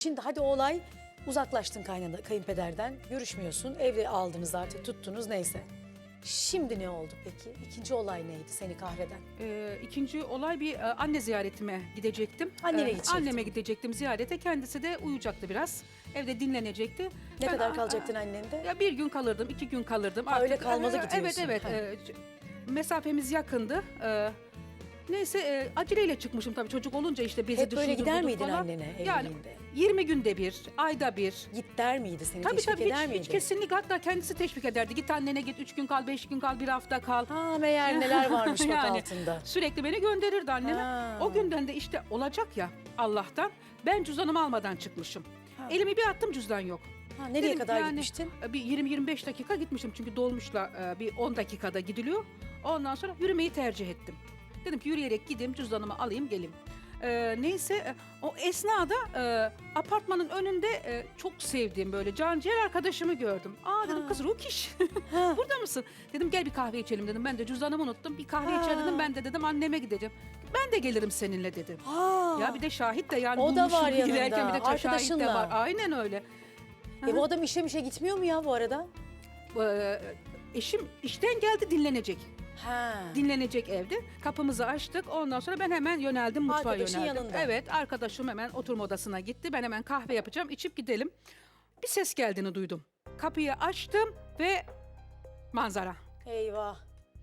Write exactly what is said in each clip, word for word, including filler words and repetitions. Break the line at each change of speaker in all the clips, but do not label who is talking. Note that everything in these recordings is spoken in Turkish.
Şimdi hadi o olay uzaklaştın kaynana, kayınpederden, görüşmüyorsun, evde aldınız artık, tuttunuz neyse. Şimdi ne oldu peki? İkinci olay neydi seni kahreden?
Ee, ikinci olay bir e, anne ziyaretime gidecektim.
Annene
Ee,
gidecektin.
Anneme gidecektim ziyarete. Kendisi de uyuyacaktı biraz. Evde dinlenecekti.
Ne
Ben,
kadar
a-
kalacaktın
a-
annende?
Ya bir gün kalırdım, iki gün kalırdım.
Ha, öyle kalmalı
e, Evet,
gidiyorsun.
evet.
Ha.
e, c- mesafemiz yakındı. Ee, neyse e, aceleyle çıkmışım tabii çocuk olunca işte bezi
Hep böyle
düşündüm,
gider
buldum
miydin
falan.
annene
Yani
evliliğinde?
yirmi günde bir, ayda bir.
Git der miydi seni,
Tabii
teşvik
tabii
eder
hiç,
miydi?
hiç kesinlikle, hatta kendisi teşvik ederdi. Git annene git, üç gün kal, beş gün kal, bir hafta kal.
Ha meğer neler varmış bak
Yani
altında.
Sürekli beni gönderirdi anneme.
Ha.
O günden de işte olacak ya Allah'tan ben cüzdanımı almadan çıkmışım.
Ha.
Elimi bir attım, cüzdan yok.
Ha, nereye
Dedim
kadar
yani,
gitmiştin?
Bir yirmi yirmi beş dakika gitmişim çünkü dolmuşla e, bir on dakikada gidiliyor. Ondan sonra yürümeyi tercih ettim. Dedim ki yürüyerek gideyim, cüzdanımı alayım geleyim. Ee, neyse e, o esnada e, apartmanın önünde e, çok sevdiğim böyle canciğer arkadaşımı gördüm. Aa dedim,
Ha.
kız Rukiş
Ha.
burada mısın? Dedim gel bir kahve içelim dedim. Ben de cüzdanımı unuttum. Bir kahve
Ha.
içer dedim. Ben de dedim anneme gideceğim. Ben de gelirim seninle dedim.
Ha.
Ya bir de şahit de yani
O da
bulmuşum
var yanında,
giderken bir de şahit de
arkadaşınla.
var. Aynen öyle.
E bu adam işe mişe gitmiyor mu ya bu arada?
Ee, eşim işten geldi, dinlenecek.
Ha.
Dinlenecek evde. Kapımızı açtık. Ondan sonra ben hemen yöneldim, mutfağa
Arkadaşın
yöneldim.
yanında.
Evet, arkadaşım hemen oturma odasına gitti. Ben hemen kahve yapacağım, içip gidelim. Bir ses geldiğini duydum. Kapıyı açtım ve manzara.
Eyvah.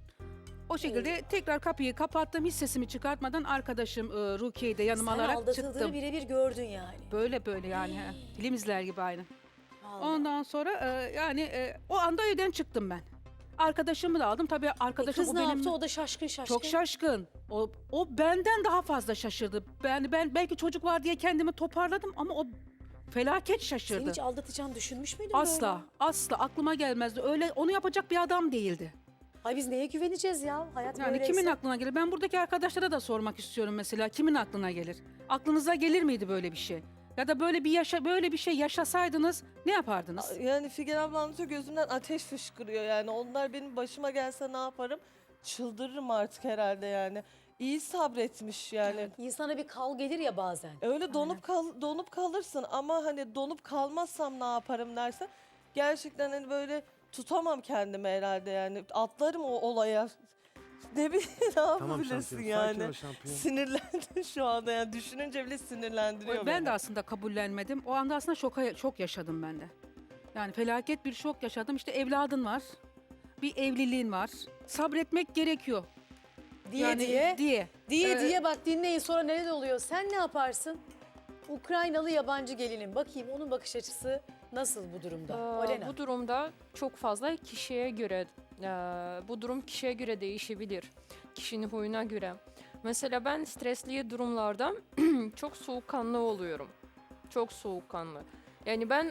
O şekilde tekrar kapıyı kapattım. Hiç sesimi çıkartmadan arkadaşım e, Rukiye'yi de yanıma
Sen
alarak
aldatıldığını
çıktım.
birebir gördün yani.
Böyle böyle yani. he. Film izler gibi aynı.
Vallahi.
Ondan sonra e, yani e, o anda evden çıktım ben. Arkadaşımı da aldım. Tabii
E
arkadaşım
kız
o
ne
benim
yaptı? O da şaşkın şaşkın.
çok şaşkın. O o benden daha fazla şaşırdı. Ben ben belki çocuk var diye kendimi toparladım ama o felaket
Seni
şaşırdı.
hiç aldatacağını düşünmüş müydün
Asla,
böyle?
asla aklıma gelmezdi. Öyle onu yapacak bir adam değildi.
Ay biz neye güveneceğiz ya? Hayat
Yani
böyleyse.
kimin aklına gelir? Ben buradaki arkadaşlara da sormak istiyorum mesela. Kimin aklına gelir? Aklınıza gelir miydi böyle bir şey? Ya da böyle bir yaşa böyle bir şey yaşasaydınız ne yapardınız?
Yani Figen abla anlatıyor, gözümden ateş fışkırıyor yani. Onlar benim başıma gelse ne yaparım? Çıldırırım artık herhalde yani. İyi sabretmiş yani.
İnsana bir kal gelir ya bazen.
Öyle donup kal donup kalırsın ama hani donup kalmazsam ne yaparım dersen gerçekten hani böyle tutamam kendimi herhalde yani. Atlarım o olaya. Ne bileyim ne
Tamam
yapabilirsin
şampiyon. Sakin
yani.
ol şampiyon.
Sinirlendim şu anda yani düşününce bile sinirlendiriyor
Ben
beni.
de aslında kabullenmedim. O anda aslında şoka, şok yaşadım ben de. Yani felaket bir şok yaşadım. İşte evladın var. Bir evliliğin var. Sabretmek gerekiyor.
Diye
Yani
diye.
diye.
Diye
Ee,
diye bak dinleyin sonra neler oluyor. Sen ne yaparsın? Ukraynalı yabancı gelinin. Bakayım onun bakış açısı nasıl bu durumda?
Ee,
Olena.
Bu durumda çok fazla kişiye göre, e, bu durum kişiye göre değişebilir. Kişinin huyuna göre. Mesela ben stresli durumlarda çok soğukkanlı oluyorum. Çok soğukkanlı. Yani ben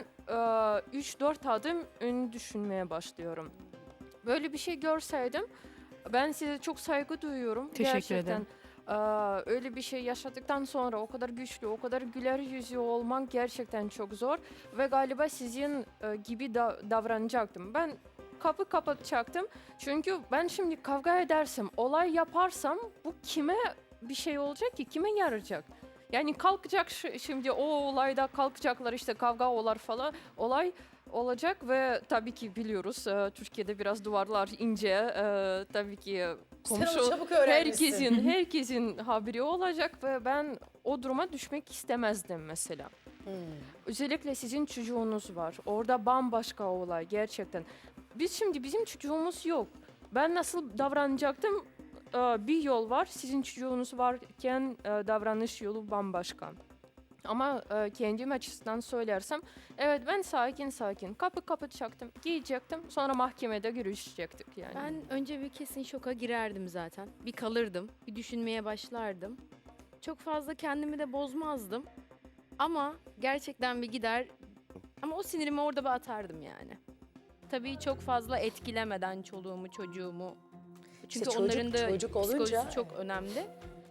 üç dört adım ön düşünmeye başlıyorum. Böyle bir şey görseydim ben size çok saygı duyuyorum.
Teşekkür
Gerçekten.
ederim.
Ee, öyle bir şey yaşadıktan sonra o kadar güçlü, o kadar güler yüzlü olmak gerçekten çok zor. Ve galiba sizin e, gibi da, davranacaktım. Ben kapı kapatacaktım. Çünkü ben şimdi kavga edersem, olay yaparsam bu kime bir şey olacak ki? Kime yarayacak? Yani kalkacak ş- şimdi o olayda kalkacaklar işte kavga olar falan olay olacak ve tabii ki biliyoruz e, Türkiye'de biraz duvarlar ince e, tabii ki
Sen onu
komşu
çabuk öğrenmişsin.
herkesin herkesin haberi olacak ve ben o duruma düşmek istemezdim mesela.
Hmm.
Özellikle sizin çocuğunuz var. Orada bambaşka olay gerçekten. Biz şimdi bizim çocuğumuz yok. Ben nasıl davranacaktım? Ee, Bir yol var. Sizin çocuğunuz varken e, davranış yolu bambaşka. Ama e, kendim açısından söylersem, evet ben sakin sakin kapı kapatacaktım, giyecektim, sonra mahkemede görüşecektik yani.
Ben önce bir kesin şoka girerdim zaten. Bir kalırdım, bir düşünmeye başlardım. Çok fazla kendimi de bozmazdım. Ama gerçekten bir gider ama o sinirimi orada bir atardım yani. Tabii çok fazla etkilemeden çoluğumu, çocuğumu. Çünkü
çocuk-
onların da
çocuk olunca-
psikolojisi çok önemli.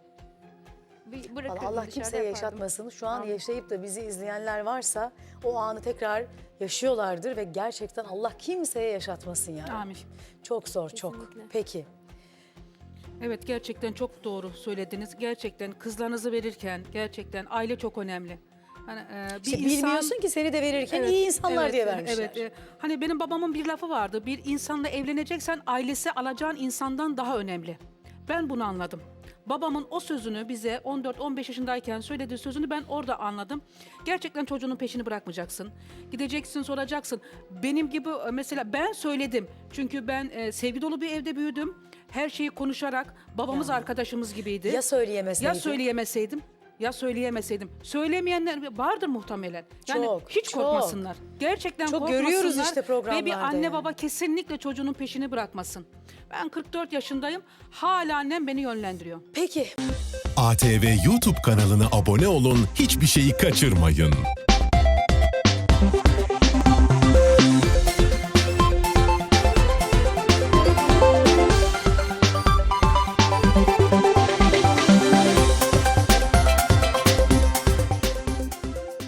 Bir bırakırdım,
Allah
dışarıda
kimseye
yapardım.
yaşatmasın. Şu an
Amin.
yaşayıp da bizi izleyenler varsa o anı tekrar yaşıyorlardır ve gerçekten Allah kimseye yaşatmasın yani.
Amin.
Çok zor, çok.
Kesinlikle.
Peki.
Evet, gerçekten çok doğru söylediniz. Gerçekten kızlarınızı verirken gerçekten aile çok önemli. Hani e, bir
İşte
insan-
bilmiyorsun ki seni de verirken
Evet,
iyi insanlar
evet,
diye
e,
vermişler.
Evet. e, hani benim babamın bir lafı vardı. Bir insanla evleneceksen ailesi alacağın insandan daha önemli. Ben bunu anladım. Babamın o sözünü bize on dört on beş yaşındayken söylediği sözünü ben orada anladım. Gerçekten çocuğunun peşini bırakmayacaksın. Gideceksin, soracaksın. Benim gibi e, mesela ben söyledim. Çünkü ben e, sevgi dolu bir evde büyüdüm. Her şeyi konuşarak babamız
Ya.
arkadaşımız gibiydi.
Ya söyleyemeseydin?
Ya söyleyemeseydim. Ya söyleyemeseydim. Söylemeyenler vardır muhtemelen. Yani
Çok,
hiç
çok.
korkmasınlar. Gerçekten
Çok
korkmasınlar.
görüyoruz işte
Ve bir
programlarda
anne
yani.
baba kesinlikle çocuğunun peşini bırakmasın. Ben kırk dört yaşındayım. Hala annem beni yönlendiriyor.
Peki.
A T V YouTube kanalına abone olun, hiçbir şeyi kaçırmayın.